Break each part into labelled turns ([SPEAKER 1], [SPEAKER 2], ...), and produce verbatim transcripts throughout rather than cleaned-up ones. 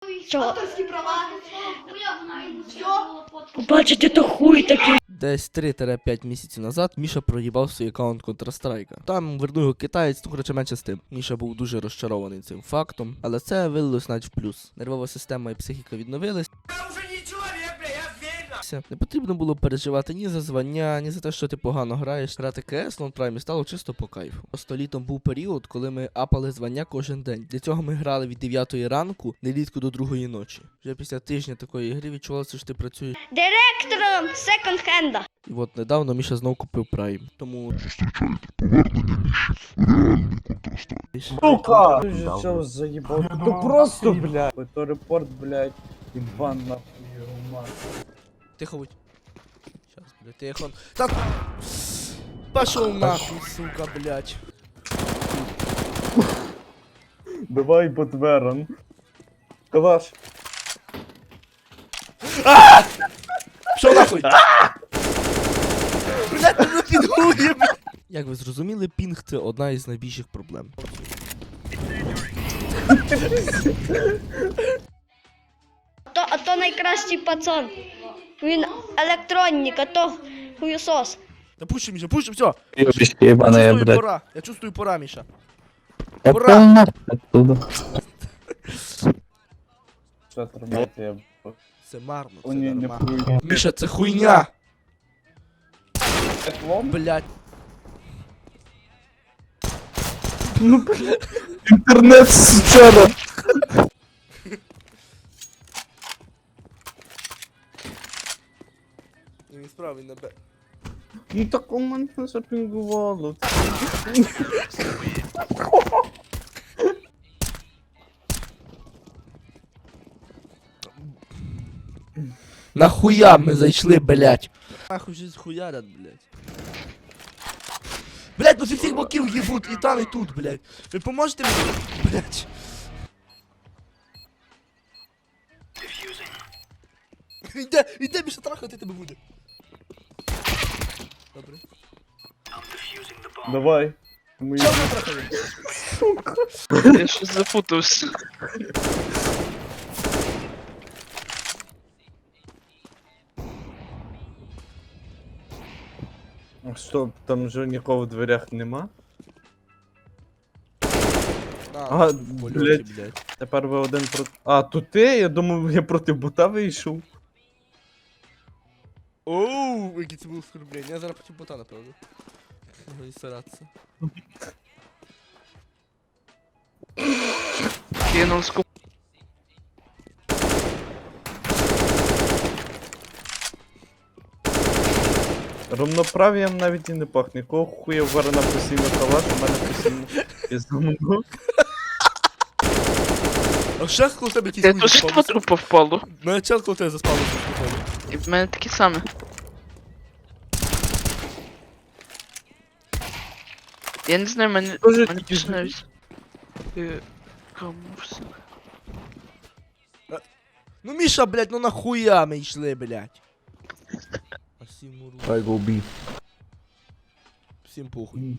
[SPEAKER 1] Чого?
[SPEAKER 2] Авторські права. Все.
[SPEAKER 1] Бачите, то хуй такий.
[SPEAKER 3] Десь три-п'ять місяців назад Міша проїбав свій аккаунт Counter-Strike. Там вернув його китаєць, ну коротше менше з тим. Міша був дуже розчарований цим фактом, але це вилилось навіть в плюс. Нервова система і психіка відновились. Не потрібно було переживати ні за звання, ні за те, що ти погано граєш. Грати КС в лонпраймі стало чисто по кайфу. Просто літом був період, коли ми апали звання кожен день. Для цього ми грали від дев'ятої ранку, нерідко до другої ночі. Вже після тижня такої гри відчувалося, що ти працюєш
[SPEAKER 1] Директором секонд-хенда.
[SPEAKER 3] І от недавно Міша знов купив Prime. Тому...
[SPEAKER 4] Сука! Ты же чё заебал? Ну просто, блядь. Это репорт, блядь, и бан нахуй, ума.
[SPEAKER 3] Тихо будь. Щас, блядь, тихо. Так! Пошел нахуй, сука, блядь.
[SPEAKER 4] Давай Ботверон. Калаш.
[SPEAKER 3] Пішов нахуй! Блядь, мене підгує! Як ви зрозуміли, пінг це одна із найбільших проблем.
[SPEAKER 1] То, а то найкращий пацан. Він електронник, а то хуєсос.
[SPEAKER 3] Да пуши, Миша, пуши, все!
[SPEAKER 5] Ёбище
[SPEAKER 3] Я
[SPEAKER 5] ебаная,
[SPEAKER 3] чувствую
[SPEAKER 5] блядь.
[SPEAKER 3] пора, я чувствую пора, Миша.
[SPEAKER 5] Я
[SPEAKER 3] Ура!
[SPEAKER 5] понял нахуй оттуда.
[SPEAKER 4] Что отрубать я?
[SPEAKER 3] Це марно, це
[SPEAKER 4] О, не, не
[SPEAKER 3] нормально.
[SPEAKER 4] хуй.
[SPEAKER 3] Миша, це хуйня!
[SPEAKER 4] Лом?
[SPEAKER 3] Блядь.
[SPEAKER 5] Интернет сучара.
[SPEAKER 3] Він справий на бе.
[SPEAKER 4] Ну так у мене запінгувало.
[SPEAKER 3] Нахуя ми зайшли, блядь? Нахуй щось хуярят, блядь. Блядь, ну зі всіх боків їбуть, і там, і тут, блядь. Ви поможете мені? Блядь. Іде, іде, більше трахати тебе буде. Добре.
[SPEAKER 4] Давай. Мы...
[SPEAKER 3] Чого ви трахали?
[SPEAKER 6] Я щось запутався.
[SPEAKER 4] Что, там же нікого в дверях нема?
[SPEAKER 3] На,
[SPEAKER 4] А,
[SPEAKER 3] в польоті,
[SPEAKER 4] блядь.
[SPEAKER 3] блядь.
[SPEAKER 4] Тепер ви один проти... А, тут ти? Я думав, я проти бота вийшов.
[SPEAKER 3] Оу, який це був оскорблення. Я зараз проти бота, напевно. Можна і старатися.
[SPEAKER 6] Кинув скуп.
[SPEAKER 4] Равноправ'ям навіть і не пахне. Кого хуя варена постійно калаш, у мене постійно пізнамо.
[SPEAKER 3] А ще коли тебе якісь
[SPEAKER 6] Я
[SPEAKER 3] хуй
[SPEAKER 6] теж
[SPEAKER 3] заспав?
[SPEAKER 6] по трупу впало.
[SPEAKER 3] Мене час, коли тебе заспали, що походу.
[SPEAKER 6] І в мене такі саме. Я не знаю, мене,
[SPEAKER 4] Тоже
[SPEAKER 6] мене
[SPEAKER 4] такі
[SPEAKER 6] піше навіть. Е, Кому все?
[SPEAKER 3] Ну Міша, блядь, ну нахуя ми йшли, блядь. А всім уру.
[SPEAKER 5] I go B.
[SPEAKER 3] Всім похуй.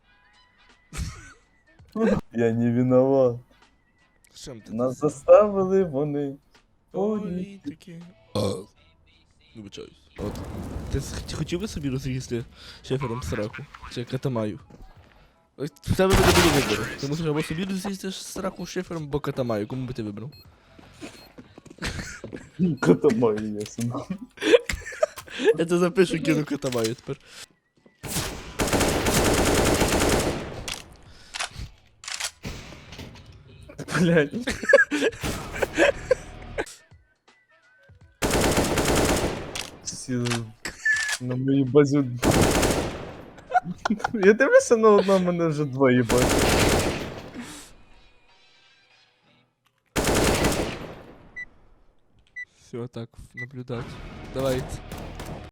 [SPEAKER 4] Я не виноват.
[SPEAKER 3] Чим ти?
[SPEAKER 4] Нас заставили вони.
[SPEAKER 3] Політики. Вибачаюсь. От. Ти с- ти хотів би собі розрізти шефером сраку? Чи катамаю? Ось в тебе буде буде вибору. Ти мусиш або собі розрізти сраку шефером, або катамаю. Кому би ти вибрав?
[SPEAKER 4] Котомаю ясно.
[SPEAKER 3] Я це запишу, кину катамаю тепер.
[SPEAKER 4] Блядь. Всі на моїй базі. Я дивлюся на одного, мене вже двоє бачу.
[SPEAKER 3] Все, так, наблюдать. Давайте.